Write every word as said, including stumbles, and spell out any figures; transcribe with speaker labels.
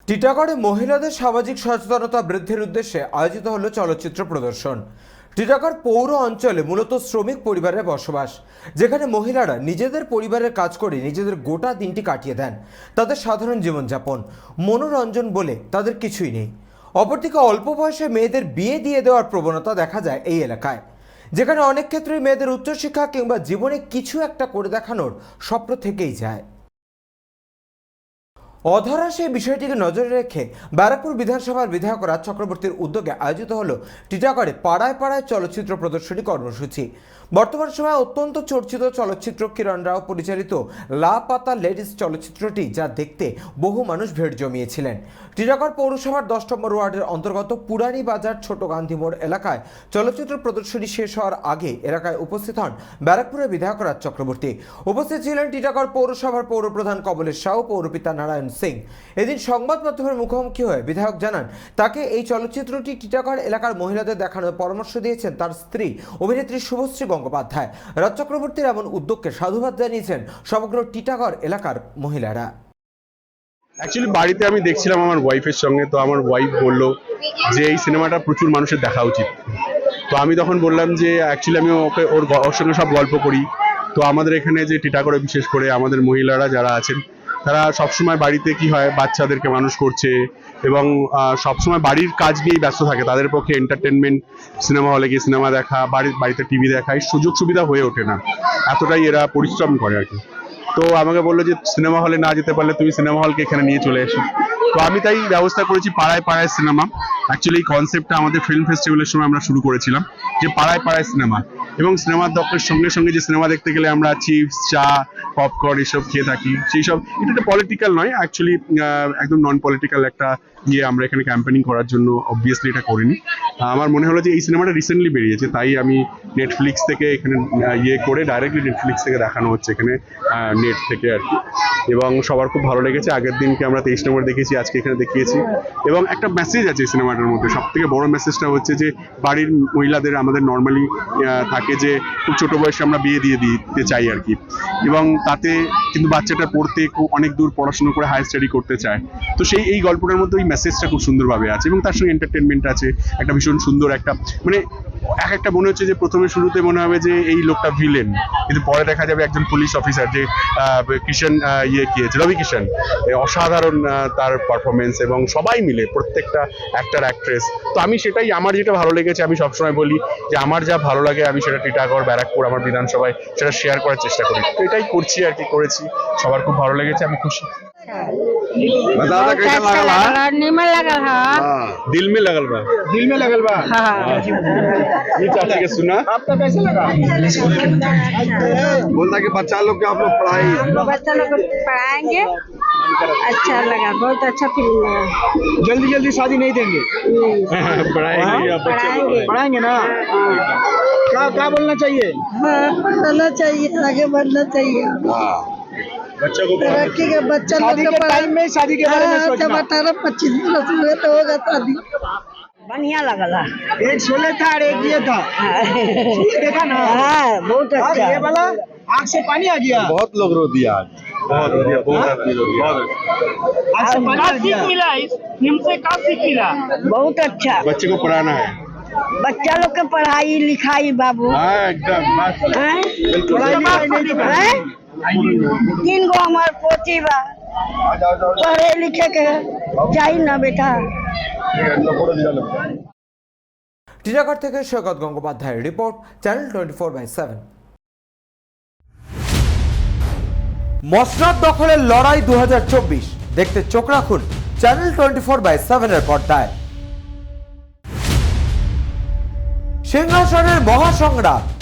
Speaker 1: টিটাগড়ে মহিলাদের সামাজিক সচেতনতা বৃদ্ধির উদ্দেশ্যে আয়োজিত হলো চলচ্চিত্র প্রদর্শন। টিটাগড় পৌর অঞ্চলে মূলত শ্রমিক পরিবারের বসবাস, যেখানে মহিলারা নিজেদের পরিবারের কাজ করে নিজেদের গোটা দিনটি কাটিয়ে দেন। তাদের সাধারণ জীবনযাপন, মনোরঞ্জন বলে তাদের কিছুই নেই। অপরদিকে অল্প বয়সে মেয়েদের বিয়ে দিয়ে দেওয়ার প্রবণতা দেখা যায় এই এলাকায়, যেখানে অনেক ক্ষেত্রে মেয়েদের উচ্চশিক্ষা কিংবা জীবনে কিছু একটা করে দেখানোর স্বপ্ন থেকেই যায়। অধরা সেই বিষয়টিকে নজরে রেখে ব্যারাকপুর বিধানসভার বিধায়ক রাজ চক্রবর্তীর উদ্যোগে আয়োজিত হলো টিটাগড়ে পাড়ায় পাড়ায় চলচ্চিত্র প্রদর্শনী কর্মসূচি। বর্তমান সময়ে অত্যন্ত চর্চিত চলচ্চিত্র কিরণ রাও পরিচালিত লা পাতা লেডিস চলচ্চিত্রটি যা দেখতে বহু মানুষ ভিড় জমিয়েছিলেন। টিটাগড় পৌরসভার দশ নম্বর ওয়ার্ডের অন্তর্গত পুরানি বাজার ছোট গান্ধী মোড় এলাকায় চলচ্চিত্র প্রদর্শনী শেষ হওয়ার আগে এলাকায় উপস্থিত হন ব্যারাকপুরের বিধায়ক রাজ চক্রবর্তী। উপস্থিত ছিলেন টিটাগড় পৌরসভার পৌরপ্রধান কমলেশ সাউ, পৌরপিতা নারায়ণ সিং। এদিন সংবাদ মাধ্যমের মুখোমুখি হয়ে বিধায়ক জানান, তাকে এই চলচ্চিত্রটি টিটাগড় এলাকার মহিলাদের দেখানোর পরামর্শ দিয়েছেন তার স্ত্রী অভিনেত্রী শুভশ্রী গঙ্গোপাধ্যায়। রাজ চক্রবর্তীর এমন উদ্যোগকে সাধুবাদ জানিয়েছেন সমগ্র টিটাগড় এলাকার মহিলারা।
Speaker 2: অ্যাকচুয়ালি বাড়িতে আমি দেখছিলাম আমার ওয়াইফের সঙ্গে, তো আমার ওয়াইফ বলল যে এই সিনেমাটা প্রচুর মানুষের দেখা উচিত। তো আমি তখন বললাম যে অ্যাকচুয়ালি আমি ওকে ওর ওর সঙ্গে সব গল্প করি। তো আমাদের এখানে যে টিটাগড়ে বিশেষ করে আমাদের মহিলারা যারা আছেন তারা সবসময় বাড়িতে কি হয় বাচ্চাদেরকে মানুষ করছে এবং সবসময় বাড়ির কাজ নিয়েই ব্যস্ত থাকে। তাদের পক্ষে এন্টারটেনমেন্ট, সিনেমা হলে গিয়ে সিনেমা দেখা, বাড়ির বাড়িতে টিভি দেখা এই সুযোগ সুবিধা হয়ে ওঠে না, এতটাই এরা পরিশ্রম করে আর কি। তো আমাকে বললো যে সিনেমা হলে না যেতে পারলে তুমি সিনেমা হলকে এখানে নিয়ে চলে এসো। তো আমি তাই ব্যবস্থা করেছি পাড়ায় পাড়ায় সিনেমা। অ্যাকচুয়ালি এই কনসেপ্টটা আমাদের ফিল্ম ফেস্টিভ্যালের সময় আমরা শুরু করেছিলাম যে পাড়ায় পাড়ায় সিনেমা, এবং সিনেমার দর্শকের সঙ্গে সঙ্গে যে সিনেমা দেখতে গেলে আমরা চিপস, চা, পপকর্ন এসব খেয়ে থাকি, সেই সব এটা একটা পলিটিক্যাল নয়, অ্যাকচুয়ালি একদম নন পলিটিক্যাল একটা ইয়ে আমরা এখানে ক্যাম্পেনিং করার জন্য অবভিয়াসলি এটা করিনি। আমার মনে হলো যে এই সিনেমাটা রিসেন্টলি বেরিয়েছে, তাই আমি নেটফ্লিক্স থেকে এখানে ইয়ে করে ডাইরেক্টলি নেটফ্লিক্স থেকে দেখানো হচ্ছে এখানে নেট থেকে আর কি, এবং সবার খুব ভালো লেগেছে। আগের দিনকে আমরা তেইশ নম্বর দেখেছি, আজকে এখানে দেখিয়েছি, এবং একটা মেসেজ আছে এই সিনেমাটার মধ্যে। সব থেকে বড় মেসেজটা হচ্ছে যে বাড়ির মহিলাদের আমাদের নর্মালি থাকে যে খুব ছোট বয়সে আমরা বিয়ে দিয়ে দিতে চাই আর কি, এবং তাতে কিন্তু বাচ্চাটা পড়তে খুব অনেক দূর পড়াশোনা করে হায়ার স্টাডি করতে চায়। তো সেই এই গল্পটার মধ্যে ওই মেসেজটা খুব সুন্দরভাবে আছে, এবং তার সঙ্গে এন্টারটেনমেন্ট আছে, একটা ভীষণ সুন্দর একটা মানে এক একটা মনে হচ্ছে যে প্রথমে শুরুতে মনে হবে যে এই লোকটা ভিলেন, কিন্তু পরে দেখা যাবে একজন পুলিশ অফিসার যে কিষান ইয়ে কিয়েছে রবি কিষান, অসাধারণ তার পারফরমেন্স, এবং সবাই মিলে প্রত্যেকটা অ্যাক্টর অ্যাক্ট্রেস। তো আমি সেটাই আমার যেটা ভালো লেগেছে, আমি সবসময় বলি যে আমার যা ভালো লাগে আমি সেটা টিটাগড় ব্যারাকপুর আমার বিধানসভায় সেটা শেয়ার করার চেষ্টা করি। তো এটাই করছি আর কি, করেছি, সবার খুব ভালো লেগেছে, আমি খুশি।
Speaker 3: बताओ कैसा लगल है? निमन लगल है।
Speaker 2: दिल में लगल बा,
Speaker 4: दिल में लगल बा।
Speaker 3: हाँ।
Speaker 2: ये चाची के सुना
Speaker 4: आपका कैसे लगा?
Speaker 5: बोलता कि बच्चा लोग के आप लोग पढ़ाई
Speaker 3: बच्चा लोग को पढ़ाएंगे, अच्छा लगा, बहुत अच्छा फिल्म लगा।
Speaker 4: जल्दी जल्दी शादी नहीं देंगे,
Speaker 2: पढ़ाएंगे या बच्चे
Speaker 3: पढ़ाएंगे।
Speaker 4: पढ़ाएंगे ना। क्या क्या बोलना चाहिए?
Speaker 6: हाँ, पढ़ना चाहिए, आगे बढ़ना चाहिए।
Speaker 2: बच्चों को
Speaker 6: तरक्की के बच्चा लोग
Speaker 4: शादी
Speaker 6: को
Speaker 4: के
Speaker 6: पढ़ा-
Speaker 4: टाइम में शादी के बारे में
Speaker 6: हाँ, जब
Speaker 4: सोचना।
Speaker 6: अठारह पच्चीस वर्ष हुए तो होगा शादी।
Speaker 3: बढ़िया लगल है।
Speaker 4: एक शोले था और एक ये था, शोले देखा ना?
Speaker 3: हाँ, बहुत
Speaker 4: और
Speaker 3: अच्छा।
Speaker 4: ये वाला आँख से पानी आ गया।
Speaker 5: बहुत लोग रो दिया आज।
Speaker 2: बहुत बढ़िया, बहुत आदमी लोग बहुत
Speaker 4: आँख से पानी आ गया।
Speaker 7: मिला इस फिल्म से का सीख मिला?
Speaker 3: बहुत अच्छा।
Speaker 2: बच्चे को पढ़ाना है।
Speaker 3: बच्चा लोग के पढ़ाई लिखाई बाबू,
Speaker 2: हाँ एकदम मस्त।
Speaker 3: हैं?
Speaker 4: पढ़ाई लिखाई नहीं दिखा।
Speaker 3: हैं? तीन गो हमार पोती बा, पढ़े लिखे के चाहिए ना बेटा।
Speaker 1: টিটাগড় থেকে সৈকত গঙ্গোপাধ্যায়ের রিপোর্ট, channel twenty four by seven. মসনদ দখলের লড়াই দু হাজার চব্বিশ দেখতে চোখ রাখুন channel twenty four by seven এর পর্দায়। সিংহাসনের মহাসংগ্রাম